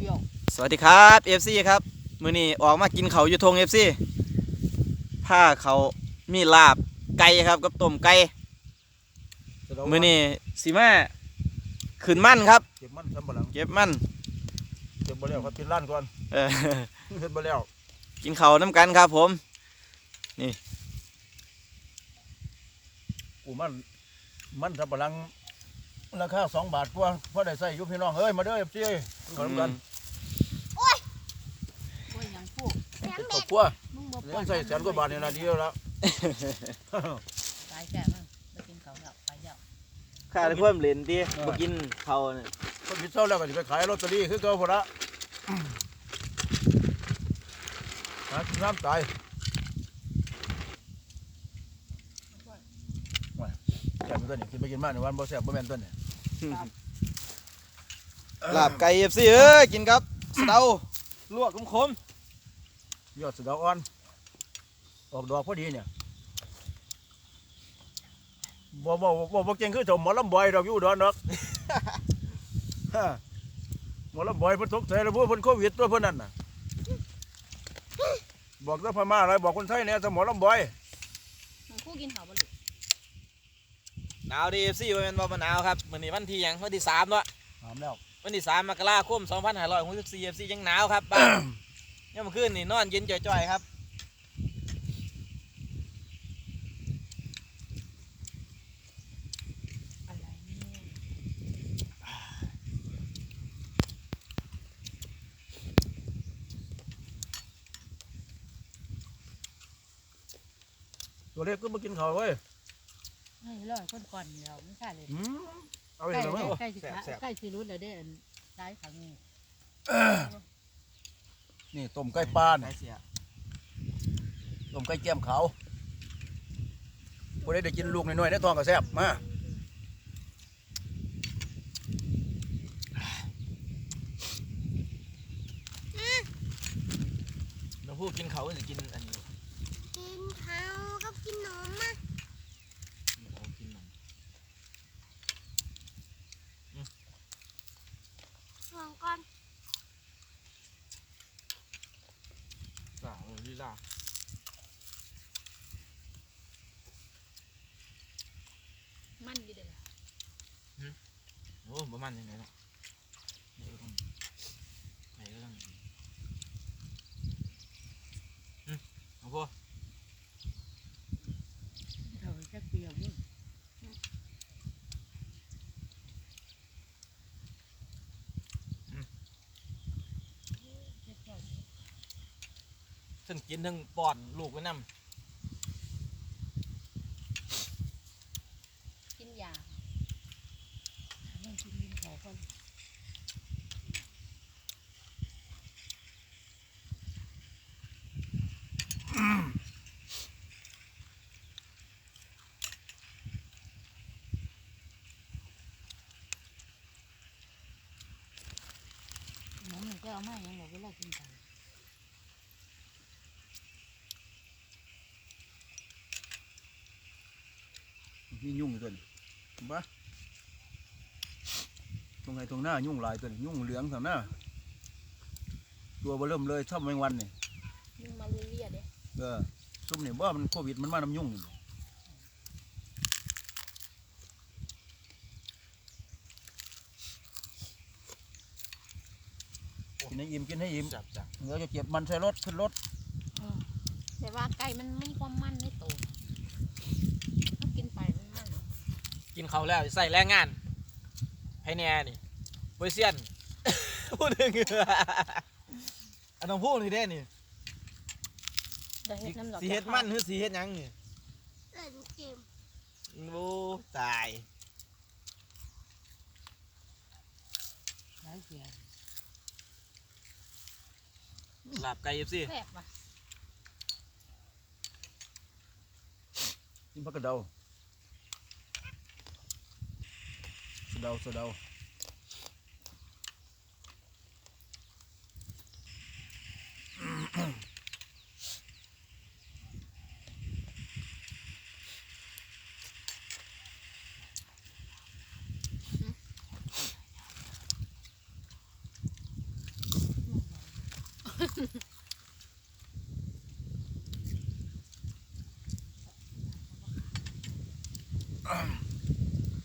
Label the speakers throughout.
Speaker 1: ดียว
Speaker 2: สวัสดีครับ FC ครับมื้อนี้ออกมากินเขาวอยู่ทง FC ผ้าเขามีลาบไก่ครับกับต้มไก่มื้อนี้สิมาขึ้นมั่นครับ
Speaker 3: เก็บมันทำบ่หลัง
Speaker 2: เก็บมั่น
Speaker 3: เก็บบ่แล้วครับกินร้านก่อน
Speaker 2: เออ
Speaker 3: เฮ็ดบ่แล้ว
Speaker 2: กินเขาวน้ำกันครับผมนี่
Speaker 3: กูมันทำบ่หลังราคา2 บาทกว่าพอได้ใส่อยู่พี่น้องเอ้ยมาเด้อ FC เอ้ยขอกัน
Speaker 1: โอ้ยยังพูด
Speaker 3: ครอบครัว
Speaker 1: มึงบ่ป
Speaker 3: เลี้ยงใส่แสนกว่าบาทนี่นะดีแล้ว
Speaker 1: ตายแก่มึงไปกินเขาแล้วไปแล้ว
Speaker 2: ข้าได้เพิ่มเหรียญดิบ่กินเขาวเนี่ย
Speaker 3: คนพิดเศร้าแล้วก็จะไปขายลอตเตอรี่คือเก่าพุ่นละหากินน้ำตายแซ่บตัวนี้กินไปกินมาในวันบ่แซ่บบ่แม่นตัวนี้
Speaker 2: ลาบไก่ FC เอ้ยกินครับสะเดาลวกคม
Speaker 3: ยอดสะเดาอ่อนออกดอกพอดีเนี่ยบ่เก่งคือถมหมอลำบอยดอกอยู่ดอนดอก หมอลำบอยเพิ่นทุกข์ใจแล้วพวกเพิ่นโควิดตัวเพิ่นนั่นน่ะบอกเจ้าพม่าอะไรบอกคนไทยเนี่ยสมอลำบอย
Speaker 1: มึงคู่กินเขาบ่ลูก
Speaker 2: ๆหนาวดี FC บ่แม่นบ่มาหนาวครับมื้อนี้วันที่หยังวันที่3เนาะ
Speaker 3: ถามแล้ว
Speaker 2: วันที่3 มกราคม 2564 FC ยังหนาวครับบ้าน ยังเมื่อคืนนี่นอนเย็นจ่อยๆครับ
Speaker 1: อะไรเนี่ย
Speaker 3: ตัวเล็กก็มากินข้าวเว้ย
Speaker 1: ให้รอดคนก่อนเราไม่ใช่เลย
Speaker 3: เอาไป
Speaker 1: ใกล้
Speaker 3: เลย
Speaker 1: ใกล้สิใกล้สิรู้แล้วเด้อตายขังนี่
Speaker 3: นี่ต้มไก่ปลา
Speaker 2: ไก่
Speaker 3: เนี่ย
Speaker 2: เสีย
Speaker 3: ต้มไก่แก้มขาวผู้ใดได้กินลูกน้อยๆในท้องก็แซ่บมา
Speaker 2: น้องพูดกินเขาจะกินอันนี้
Speaker 4: กินเขาก็กินนมอ่ะ
Speaker 2: เขากินนม
Speaker 4: ห่วงก่อน
Speaker 2: สาวลีลา
Speaker 1: มันดีเด้อ
Speaker 2: โอ้ประมาณยังไงเนาะไหนก็ต้องเอาพวก
Speaker 1: เขาจะเปรี้ยวมึง
Speaker 2: ทั้งกินทั้งป้อนลูกไว้นำ
Speaker 1: กินยามันกินเขาก่อน น้องมันก็เอามาอย่างบอกเวลากินกัน
Speaker 3: มียุ่งอยู่ตัวนี้บ้าตรงไหนตรงหน้ายุ่งหลายตัวนี้ยุ่งเหลืองทางหน้าตัวบ่เริ่มเลยชอบแมงวันนี่
Speaker 1: ยิ่งมาเรียๆเด้
Speaker 3: ซุ่มนี่ว่ามันโควิดมันมาน้ำยุ่งนี่กินให้อิ่มกินให้อิ่ม
Speaker 2: จับ
Speaker 3: เดี๋ยวจะเก็บมันใส่รถขึ้นรถ
Speaker 1: แต่ว่าไก่มันไม่ความมันไม่โตถ้ากินไปมันมัน
Speaker 2: กินเขาแล้วใส่แรงงานให้แน่นี่โปรเซียน พูดถึงอันต้องพูดนี่ได้นี่
Speaker 1: จะเฮ็ดน้ำดอก
Speaker 2: สีเฮ็ดมันหรือสีเฮ็ดหยังนี่
Speaker 4: เล่นเกม
Speaker 2: โอ้ตาย
Speaker 1: หลายเสีย
Speaker 2: หลับไก่สิ
Speaker 1: แซ่บว่ะ
Speaker 3: กินผักกระเดาสะเดาสะเดา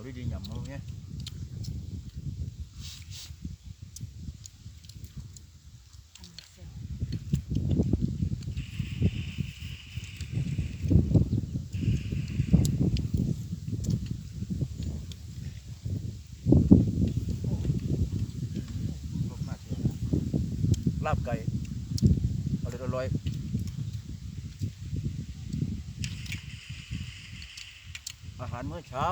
Speaker 3: เขาดีๆหยำเอาเงี้ยลาบไก่อร่อยอาหารมื้อเช้า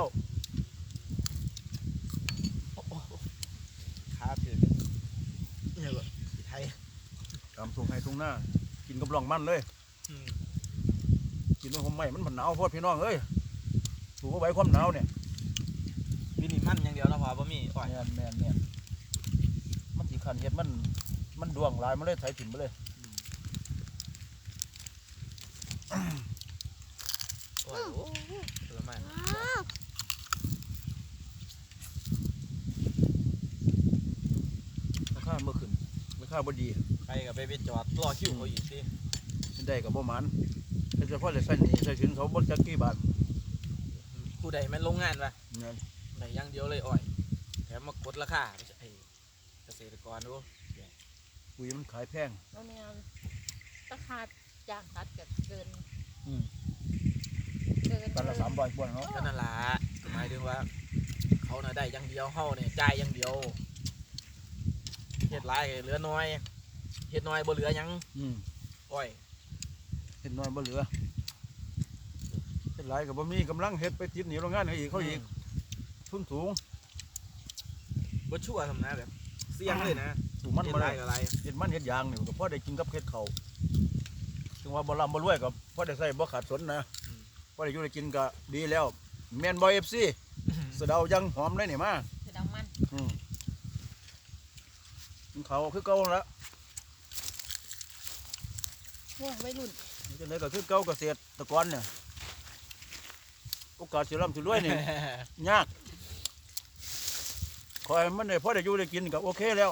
Speaker 2: ครับพี่เนี่ยก็ไทย
Speaker 3: ตามทุ่งไห้ทุ่งหน้ากินกับรองมันเลย กินด้วยความไหม้มันหนาวโพดพี่น้องเอ้ยถูกเอาไว้ความหนาวเนี่ย
Speaker 2: วินี่มันอย่างเดียวนะพอบ่มีอ้อย
Speaker 3: แม่นมันสีขันเห็ดมันดวงลายมันเลยไถถิ่มไปเลย
Speaker 2: อ้อยโอ้ผลไม้
Speaker 4: ว้าว
Speaker 3: ราคาเมื่อคืนราคาบ่ดี
Speaker 2: ใครก็ไปจอดรอคิวเขาอีกสิ
Speaker 3: ได้กับบ่หมันแต่เฉพาะแต่ใส่หนีใส่สินเขาบ่จักกี่บาท
Speaker 2: ผู้ใดแม่นโรงงานปะ
Speaker 3: เนี่ย
Speaker 2: ไหนอย่างเดียวเลยอ้อยแถมมากดราคาไอ้เกษตรกรดู
Speaker 3: ปุ๋ยมันขายแพง
Speaker 1: แล้วเนี่ยราคาจ้างตัดก็เกิน
Speaker 3: อืม
Speaker 1: เกิน
Speaker 3: ตันละ300กว่าเนาะ
Speaker 2: ก็นั่นล่ะหมายถึงว่า เขาน่ะได้อย่างเดียวเฮาเนี่ยจ่ายอย่างเดียวเฮ็ดหลายก็เหลือน้อยเฮ็ดน้อยบ่เหลือหยัง
Speaker 3: อืม
Speaker 2: อ้อย
Speaker 3: เฮ็ดน้อยบ่เหลือเฮ็ดหลายก็บ่มีกำลังเฮ็ดไปติดหนีโรงงานให้อีกเขาอีกทุนสูง
Speaker 2: บ่ชั่วทำนะแบบเสี่ยงเลยนะ
Speaker 3: สูงมัน
Speaker 2: เฮ็ด
Speaker 3: บ่
Speaker 2: หลา
Speaker 3: ได้
Speaker 2: ยก็หลาย
Speaker 3: เฮ็ดมันเฮ็ดยางนี่ก็พอได้กินกับเฮ็ดเขาวถึงว่าบ่ร่ำบ่รวยก็พอได้ใส่บ่ขาดสนนะพอได้อยู่ได้กินก็ดีแล้วแม่นบ่ FC สะเดายังหอมเลยนี่มา
Speaker 1: คือดำมัน
Speaker 3: กินเขาวคือเก่าแล้ว
Speaker 1: โอ้ยวัยรุ่น
Speaker 3: จังได๋ก็คือเก่าเกษตรกรเนี่ยโอกาสสิร่ำสิรวยนี่ ยากขอให้มันได้พอได้อยู่ได้กินก็โอเคแล้ว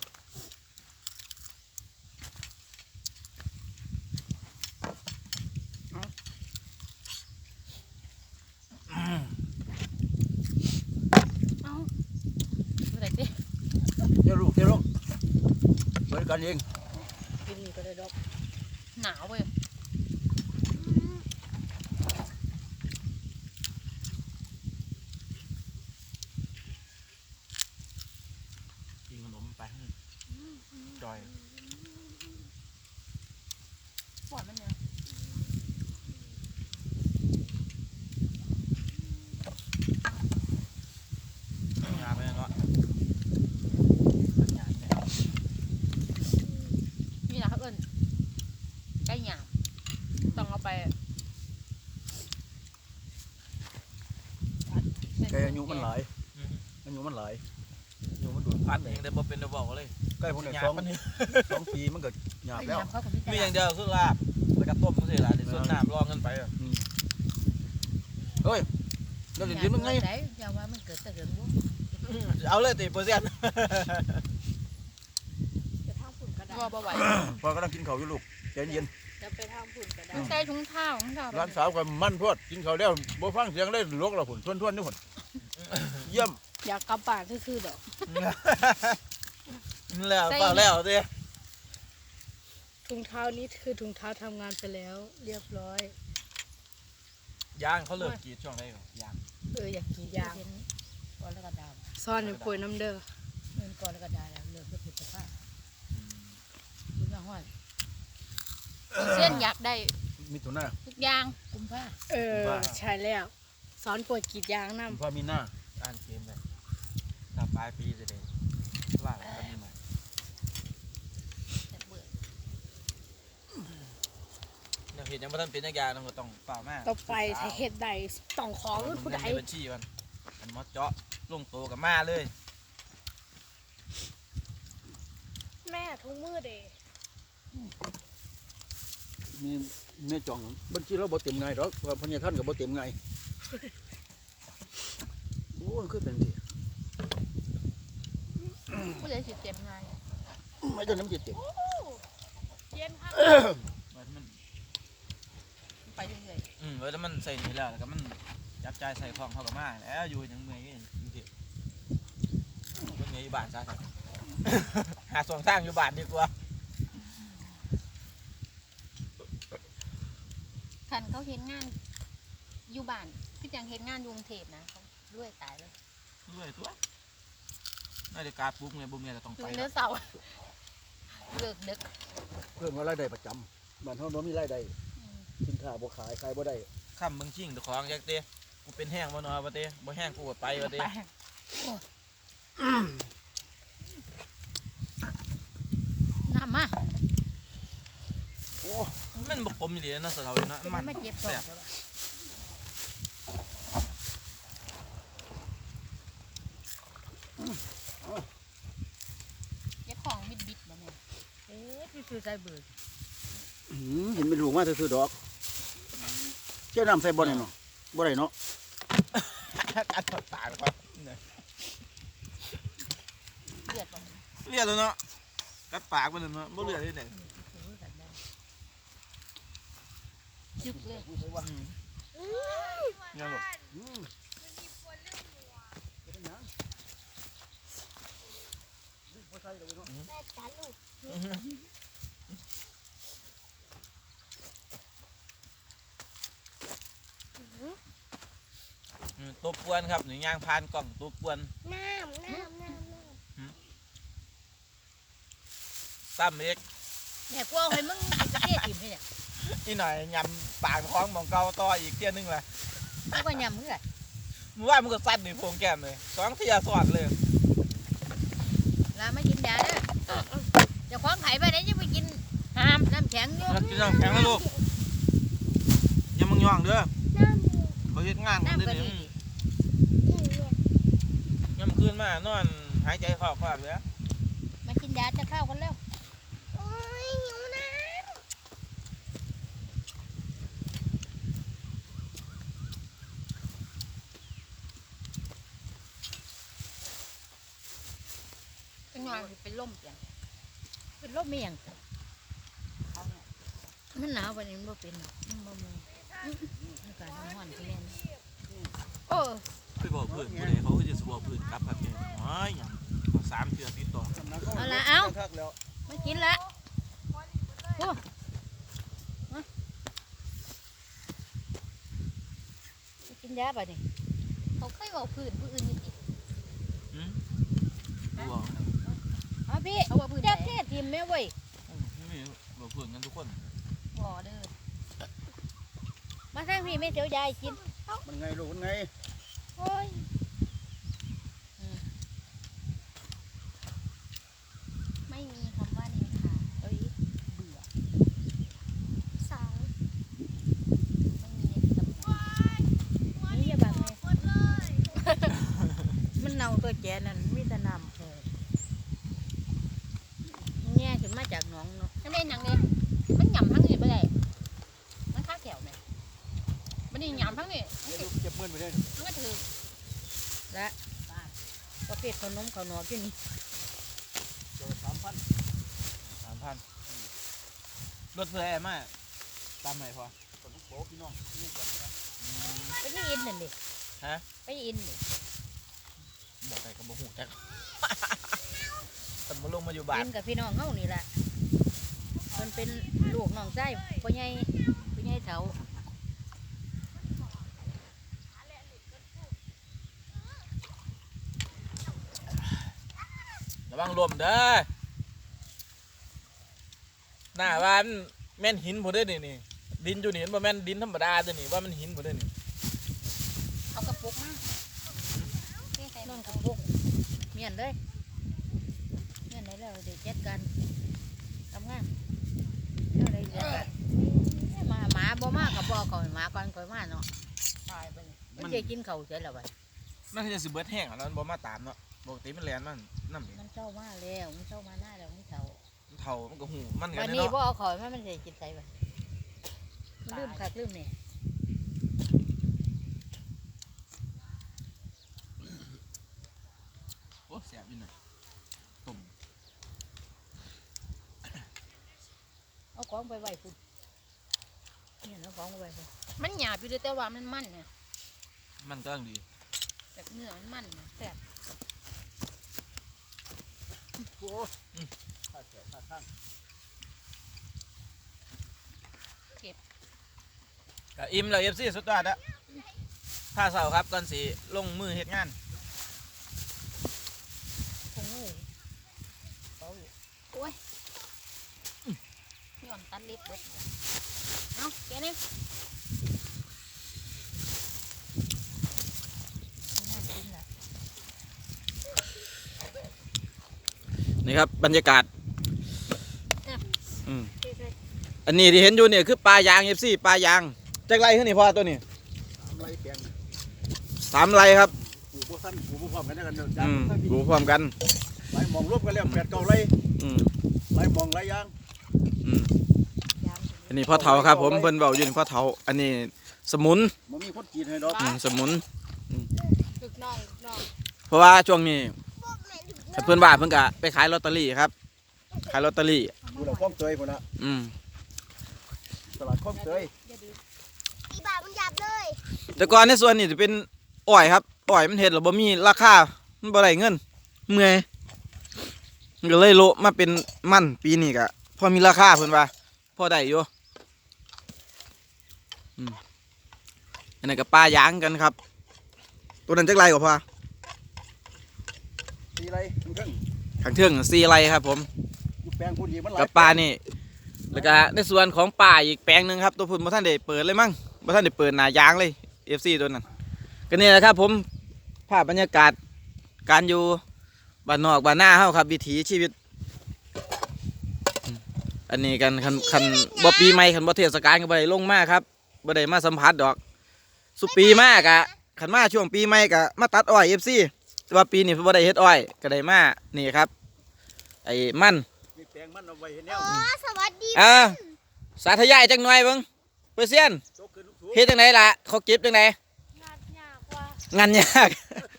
Speaker 1: เอ้าเมื่อไหร่สิ
Speaker 3: เจ้าลูกเจ้าลงบริการเอง
Speaker 1: กินนี่ก็ได้ดอกหนาวเว้ย
Speaker 2: กินขนมไปจอย
Speaker 1: ปวดมันเนี่ย
Speaker 2: งานไปเนาะ
Speaker 1: นี่นะเขาเอิ้นไก่หยาบต้องเอาไป
Speaker 3: แกอายุมันหลายอายุมันหลายอายุมันดุด
Speaker 2: อันเองแต่บ่เป็นได้บอกเลย
Speaker 3: ใกล้พวกนี้
Speaker 2: หยา
Speaker 3: ส
Speaker 2: บ
Speaker 3: อง
Speaker 2: มันนี่
Speaker 3: ปีมันก็หยาบ
Speaker 1: ไก่
Speaker 3: แล้ว
Speaker 1: หยาบเขาก็มี
Speaker 2: มีอย่างเดียวคือลาบแล้วก็ต้มมันสิล่ะในส่วนน้ำรองกันไปอะ
Speaker 3: เฮ้ยเราจะยืนมันไง
Speaker 1: ไหนอย่าว่ามันเกิดแต่เกิดบุ
Speaker 2: เอาเลยติเปอร์เซ็นต์
Speaker 4: จะทำผุ่นก็ได้
Speaker 1: ว่าบ่ไหว
Speaker 3: พอกำลังกินข้าวอยู่ลูกใจเย็น
Speaker 4: จะไปทำผุ่นก็ได้
Speaker 1: ใส่ถุงเท้าของเรา
Speaker 3: ร้านสาวก็มันพวดกินข้าวแล้วบ่ฟังเสียงเลยลวกเราผุนทวนๆนี่ผุนเยี่ยม
Speaker 4: อยากกลับบ้านซื่อๆดอก
Speaker 2: แล้วเปล่าแล้วสิ
Speaker 4: ถุงเท้านี้คือถุงเท้าทำงานไปแล้ว เรียบร้อย
Speaker 2: ยางเขาเลิกกรีดช่วงไหนก่อนยาง
Speaker 4: อยากกิน
Speaker 1: ยาย
Speaker 4: าง
Speaker 1: ก่อนแล้วก็ดาม
Speaker 4: ซ่อนในป่วยน้ำเด้อ
Speaker 1: เงินก่อนแล้วก็ดาแล้วเลิกก็ผิดสภาพคุณมาห้อยเส้นอยากได้
Speaker 3: มิถุนา
Speaker 1: ทุกอย่างกุมภา
Speaker 4: ใช่แล้วสอนป่วยกรีดยางน้
Speaker 3: พามีหน้า
Speaker 2: อ่านเกมไปถ้าปลายปีจะได้ว่ากันนี่ใหม่
Speaker 1: แต่เบื่อ
Speaker 2: เนี่ยเห็นยังไม่ทันเป็นนักยาเราก็ต้องเปล่ามาก
Speaker 4: ำต่อไปถ้าเฮ็ดใดต้องขอรุ่นผู้ใด
Speaker 2: ในบัญชีมันมันมาเจาะลงโตกับมาเลย
Speaker 4: แม่ทุกมือเด้
Speaker 3: มีแม่จ่องบัญชีเราบ่เต็มไงหรอกว่าพญาท่านก็บ่เต็มไงโอ้ยคือเป็นสิ
Speaker 1: ผู้ใดสิเจ็บง่าย
Speaker 3: ไม่ต้องน้ำจิตเต็ม
Speaker 4: เย็นครับ
Speaker 2: มัน
Speaker 1: ไปเรื่อย
Speaker 2: แล้วมันใส่นี่แล้วก็มันจับใจใส่ของเขากับมาแล้วอยู่ยังเมื่อยกันจริงๆคนเมื่อยอยู่บ้านซะ หาส่วนสร้างอยู่บ้านดีกว่า
Speaker 5: คันเขาเห็นงานอยู่บ้านคือจังเห็นงานอยู่กรุงเทพนะเขารวยตายเลย
Speaker 2: ด้วยตัวนาฬิกาปุ๊บเงี้ยบุ้มเงี้ยจะต้อง
Speaker 5: คื
Speaker 2: ไป
Speaker 5: อ
Speaker 2: แล้
Speaker 5: เนื้
Speaker 2: ว
Speaker 5: อเสาร์เลิกดึก
Speaker 3: เพิ่มว่ารายได้ประจำบ้านเฮาบ่มีรายได้สินค้าบ่ขายบ่ได้
Speaker 2: ข้ามเมืองชิงตะของยักเต้กูเป็นแห้งบ่นอบ่เต้บ่แห้งกูก็ไปบ่เต้
Speaker 1: น้ำมา
Speaker 3: โอ้
Speaker 2: มันบ่คมอยู่ดีนะสะเทาเนาะ
Speaker 1: เป็น
Speaker 2: มัน
Speaker 1: ไม่เจ็บท้อง
Speaker 5: เจ้าของบิดบิดมาเนี่ย
Speaker 1: เอ๊ะที่ซื้อใจเบิด
Speaker 3: เห็นเป็นลูกมาซื่อๆดอกเจ้าน้ำใส่บ่ได้เนาะบ่ได้เนาะ
Speaker 2: อัดปากครับ
Speaker 5: เลือดมัน
Speaker 2: เลียดแล้วเนาะกัดปากมันเนาะบ่เลือดที่ไหน
Speaker 5: จึกเลย
Speaker 2: ยังบ่ ตัวปวนครับหนึ่งยางพานกล่องตัวปวน
Speaker 4: น้ำ
Speaker 2: ตั้มเอก
Speaker 1: เนี่ยกูเอาให้มึงประเทศถิ่มให้เนี่ย
Speaker 2: อีหน่อยยำปากท้องมองเกาต่ออีกเที่ยนึงละ
Speaker 1: กูก็ยำเพื่อ
Speaker 2: มึงว่ามึงก็สั้นนี่พวงแก้มเลย2 เที่ยสอดเลย
Speaker 1: ลาไม่กินยาเด้อเจะคล้าของไผ่ไปไหนจะไปกินห้ามน้ำแข็งอยู่
Speaker 2: กินน้ำแข็งนะลูกอย่ามึงย่องเด้อ
Speaker 4: น้ำ
Speaker 2: เขาเฮ็ดงานกัน
Speaker 1: น้ำ
Speaker 2: เด้
Speaker 1: ก็
Speaker 2: อ
Speaker 1: ดี
Speaker 2: นี่ยามคืนมานอนหายใจเข้าๆเลย
Speaker 1: มากินยาจะเข้ากันแล้ว
Speaker 4: โอ้ยหิวน้
Speaker 5: เป็นงานเป็นล่มอย่าง
Speaker 1: เป็นโรคเมี่ยงมันหนาววันนี้มันบ่เป็นหรอกมันบ่มีอากาศมันร้อนขึ้นแล้วโอ้
Speaker 2: ไปบอกเพื่อนผู้ใดเขาก็จะสบอกเพื่อนกลับครับเนี่ยโอ้ยหยัง3 เทื่อติดต่อ
Speaker 1: เอาละเอา
Speaker 3: คักแล้ว
Speaker 1: ไม่กินละโอ้มาไปกินยาป่ะนี่
Speaker 5: เขาเคยบอกพื้นผู้อื่นอยู่ติ
Speaker 2: หืมบ่บอกนะ
Speaker 1: เอาพี่
Speaker 5: เขาว่าพื้น
Speaker 1: เจ้า
Speaker 5: ไหน
Speaker 1: เทศทีมแม่เว้ย
Speaker 2: นี่บอกเพื่อนกันทุกคน
Speaker 5: บ่อเด้อ
Speaker 1: มาทางพี่แม่เสียวยายกิน
Speaker 3: มันไงลูกมันไง
Speaker 1: โอ้ย
Speaker 5: ไม่มีคำว่านินทา
Speaker 1: เอ้ย
Speaker 5: เบื่อ
Speaker 4: ำสาว
Speaker 5: ไม่มีตำหนิ
Speaker 1: นี่อย่าบังเลยมันเน่าตัวแกนั่นมีแต่น้ำแง่ขึ้นมาจากหนองเนาะ
Speaker 5: นั่นเป็นอย่างนี้มันหย่ำทั้งนี้ไม่ได้มันค่าแถวไหมมันนี่หย่ำทั้งนี้มัน
Speaker 3: เดี๋ยว
Speaker 5: ก็
Speaker 3: เก็บเงินไปเลย
Speaker 5: มันก็ถือ
Speaker 1: และประเภทขนมข้าวหนอกอยู่นี่
Speaker 3: เจอ3,000
Speaker 2: 3,000รถเพื่อแอร์มาตามไหนพอ
Speaker 3: ขนมโป๊พี่น้องนี่กันนะ
Speaker 1: ไปนี่อินนั่นดิ
Speaker 2: ฮะ
Speaker 1: ไปอินดิ
Speaker 2: บอกไปกับบ่หูจัก แต่มาลงมาอยู่บ้าน
Speaker 1: อินกับพี่น้องเฮานี่แหละมันเป็นลูกน้องใจพ่อใหญ่เฒ่า
Speaker 2: ระวังลมเด้อหน้าบ้านแม่นหินบ่ได้อนี่ดินอยู่นี่มันบ่แม่นดินธรรมดาตัวนี่ว่ามันหินบ่ได้อนี่
Speaker 5: เอากระปุกมาเทใส่
Speaker 1: น
Speaker 5: น
Speaker 1: อน
Speaker 5: น
Speaker 1: กับพวกเมียนเลยเมียนไหนแล้วเดี๋ยวจัดการทำงานเอาอะไรจัดการมาหมาบ่มากับบ่ก่อนหมาก่อนก่อนมาเนาะ
Speaker 5: ตายไปเลย
Speaker 1: มันจะกินข้าวเสร็จแล้วบัด
Speaker 2: มันจะสิเบิดแห้งแล้วมันบ่มาตามเนาะปกติมันแล่นมันนำ
Speaker 1: มันเช้ามาแล้วมันเช้ามาหน้าแล้วมันเฒ่า
Speaker 2: มันเฒ่ามันก็หูมันกั
Speaker 1: วัน น
Speaker 2: เนาะ
Speaker 1: นี้บ่เอาข้าวมามันจะกินไสบัดมันลืมคักลืมนี่
Speaker 2: โอ้แซ่บอยู่หน่อยต้ม
Speaker 1: เอาของไปไว้พุ่นเนี่ยเอาของไปไว้พุ่น
Speaker 5: มันหยาบอยู่เด้อแต่ว่ามันมันเนี่ย
Speaker 2: มันก็ดี
Speaker 5: แต่เนื้อมันนะแซ่บ
Speaker 3: โอ้ข้าแถวข้าข้าง
Speaker 2: ก็อิ่มเลย FC สุดยอดอะผ้าเสาครับก่อนสิลงมือเฮ็ดงาน
Speaker 5: คงเลยโอ้ยย้อนตัดเล็บเบิดเอาแกนี่น่ากินแหละ
Speaker 2: นี่ครับบรรยากาศอันนี้ที่เห็นอยู่เนี่ยคือปลายาง FC ปลายางจักไรขึ้นนี่พ่อตัวนี้
Speaker 3: ไรแปลง
Speaker 2: 3 ไรครับ
Speaker 3: ปลูกบ่สั้นปลูกบ่พร้อมกันได้กันเด้อ
Speaker 2: อืมดูพร้อมกัน
Speaker 3: ไรมองรวมกันแล้ว8-9ไร
Speaker 2: อืม
Speaker 3: ไรมองไรยาง
Speaker 2: อืมอันนี้พ่อเฒ่าครับผมเพิ่นเว้าอยู่นี่พ่อเฒ่าอันนี้สมุน
Speaker 3: มันมีคนกินให้ดอก
Speaker 2: สมุน
Speaker 4: ลูกน้องลูกน้อง
Speaker 2: เพราะว่าช่วงนี้เพื่อนบ้านเพิ่นก็ไปขายลอตเตอรี่ครับขายลอตเตอรี่
Speaker 3: อยู่แล้วคลองเตยพุ่นน่ะ
Speaker 2: อืม
Speaker 3: ตลาดคลองเตย
Speaker 6: อีบามันหยับเลย
Speaker 2: แต่ก่อนในส่วนนี้จะเป็นอ้อยครับอ้อยมันเฮ็ดแล้วบ่มีราคามันบ่ได้เงินเมื่อยมันก็เลยโละมาเป็นมันปีนี้ก็พอมีราคาเพิ่นว่าพอได้อยู่อันนั้นก็ปลายางกันครับตัวนั้นจักไรกว่าพอ
Speaker 3: ตีไรมันขึ้น
Speaker 2: ข้างเทิง4ไรครับผม
Speaker 3: อยู่แปลงพุ่นอีกมันหลาย
Speaker 2: กับปลานี่แล้วก็ในส่วนของป่าอีกแปลงหนึงครับตัวพุ่นบ่ทันได้เปิดเลยมั้งบ่ทันได้เปิดหน้ายางเลย FC ตัวนั้นก็นี่แหละครับผมภาพบรรยากาศการอยู่บ้านนอกบ้านหน้าเฮาครับวิถีชีวิตอันนี้กันคันบ่ปีใหม่คันบ่เทศกาลก็บ่ได้ลงมาครับบ่ได้มาสัมผัสดอกสุปีมากะคันมาช่วงปีใหม่ก็มาตัดอ้อย FC แต่ว่าปีนี้บ่ได้เฮ็ดอ้อยก็ได้มานี่ครับไอ้มัน
Speaker 3: มีแปลงมันเอาไว้เห็นแนว
Speaker 6: อ๋อสวัสดี
Speaker 2: สาธยายจังหน่อยเบิ่งเปอร์เซียน
Speaker 3: โตขึ้นลูก
Speaker 2: เฮ็ดจังไดล่ะเขาเก็บจังได
Speaker 4: งานยากว่าง
Speaker 2: านยาก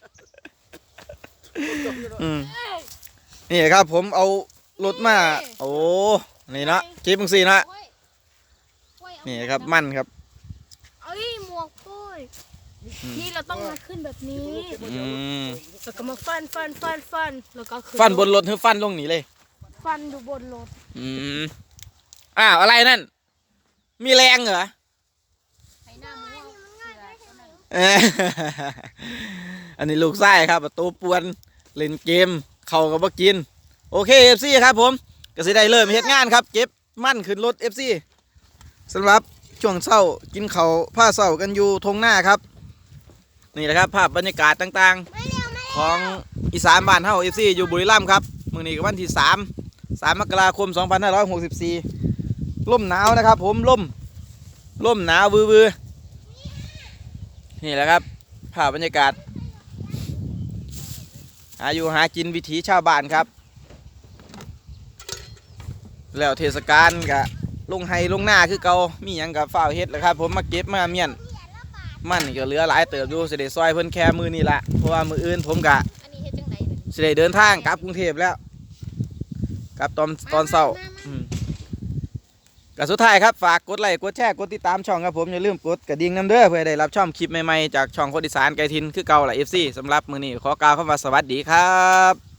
Speaker 2: นี่ครับผมเอารถมาโอ้นี่เนาะเก็บจังซี่เนาะนี่ครับมันครับ
Speaker 4: เอ้ยหมวกปุ้ยที่เราต้องมาขึ้นแบบนี้
Speaker 2: อืม
Speaker 4: แล้วก็มาฟันแล้วก็ขึ้
Speaker 2: ฟันบนรถหรือฟันลงนี่เลย
Speaker 4: ฟันดูบนรถ
Speaker 2: อืมอ้าวอะไรนั่นมีแรงเหรอ
Speaker 5: ไอ้หน้ามือเสือตัวนั้น
Speaker 2: เอ้ยอันนี้ลูกไส้ครับตัวปวนเล่นเกมเขาก็บ่กินโอเค FC ครับผมก็สิได้เริ่มเฮ็ดงานครับเก็บมั่นขึ้นรถ FC สำหรับช่วงเช้ากินเขาวผ้าเช้ากันอยู่ทงหน้าครับนี่แหละครับภาพบรรยากาศต่างๆของอีสานบ้านเฮา FC อยู่บุรีรัมย์ครับมื้อนี้ก็วันที่3มกราคม 2564ลมหนาวนะครับผมลมหนาววือๆนี่แหละครับภาพบรรยากาศหาอยู่หากินวิถีชาวบ้านครับแล้วเทศกาลกะลงไฮลงหน้าคือเก่ามีหยังกับฝ้าวเฮ็ดแหละครับผมมาเก็บมาเมียนมันก็เหลือหลายเติบอยู่สิได้ซอยเพิ่นแค่มือนี่ละเพราะว่ามืออื่นผมกะ
Speaker 5: อันนี้เฮ็ดจังไดเนี่ย
Speaker 2: สิได้เดินทางกลับกรุงเทพแล้วกลับตอนเช้าก็สุดท้ายครับฝากกดไลค์กดแชร์กดติดตามช่องครับผมอย่าลืมกดกระดิ่งน้ำเด้อเพื่อได้รับช่องคลิปใหม่ๆจากช่องคนอีสานไกลทินคือเก่าล่ะ FC สำหรับมื้อนี้ขอกล่าวคำว่าสวัสดีครับ